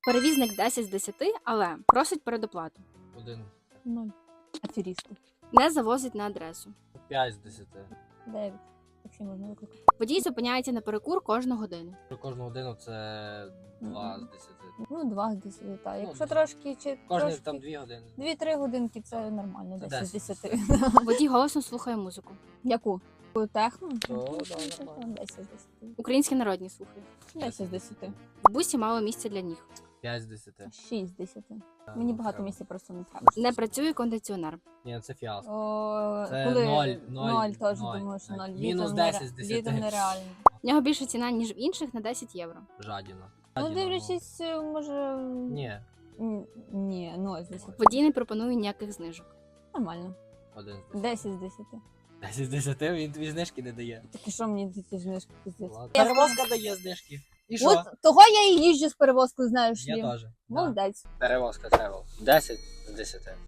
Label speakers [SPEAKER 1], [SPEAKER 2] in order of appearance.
[SPEAKER 1] Перевізник 10 з 10, але просить передоплату.
[SPEAKER 2] 1.
[SPEAKER 3] 0. Аферісти.
[SPEAKER 1] Не завозить на адресу.
[SPEAKER 2] 5 з 10.
[SPEAKER 3] 9. Таксі можна викликати.
[SPEAKER 1] Водій зупиняється на перекур кожну годину.
[SPEAKER 2] Про кожну годину це 2 з 10.
[SPEAKER 3] Ну, 2 з 10, так. Якщо
[SPEAKER 2] десь.
[SPEAKER 3] трошки чи
[SPEAKER 2] Кожні
[SPEAKER 3] трошки,
[SPEAKER 2] там 2 години.
[SPEAKER 3] 2-3 годинки це нормально, 10 з
[SPEAKER 2] 10.
[SPEAKER 3] 10.
[SPEAKER 1] Водій голосно слухає музику.
[SPEAKER 3] Яку? Техно?
[SPEAKER 2] То, да, нормально.
[SPEAKER 3] 10 з 10.
[SPEAKER 1] Українські народні слухає.
[SPEAKER 3] 10 з 10.
[SPEAKER 1] В бусі мало місця для ніг.
[SPEAKER 2] 5 з 10.
[SPEAKER 3] 6 з 10.
[SPEAKER 2] Та,
[SPEAKER 3] Мені
[SPEAKER 2] ну,
[SPEAKER 3] багато
[SPEAKER 2] треба.
[SPEAKER 3] місця просто не треба.
[SPEAKER 1] Не працює кондиціонер.
[SPEAKER 2] Ні, це фіаско.
[SPEAKER 3] О,
[SPEAKER 2] Це
[SPEAKER 3] коли
[SPEAKER 2] 0,
[SPEAKER 3] теж
[SPEAKER 2] 0,
[SPEAKER 3] думаю, що 0.
[SPEAKER 2] Мінус 10 з 10.
[SPEAKER 3] Літом нереально.
[SPEAKER 1] В нього більша ціна, ніж в інших на 10 євро.
[SPEAKER 2] Жадіна.
[SPEAKER 3] Ну, дивлячись, може...
[SPEAKER 2] Ні,
[SPEAKER 3] Ні, 0 з 10.
[SPEAKER 1] Водій не пропонує ніяких знижок.
[SPEAKER 3] Нормально.
[SPEAKER 2] 1 з 10.
[SPEAKER 3] 10 з 10.
[SPEAKER 2] 10 з 10, він тобі знижки не дає.
[SPEAKER 3] Так і що мені ці знижки пиздець?
[SPEAKER 2] Перевозка дає знижки. І що?
[SPEAKER 3] От того я і їжджу з перевозкою, знаєш
[SPEAKER 2] Я
[SPEAKER 3] ли.
[SPEAKER 2] теж.
[SPEAKER 3] Молодець.
[SPEAKER 2] Перевозка тревел. 10 з 10.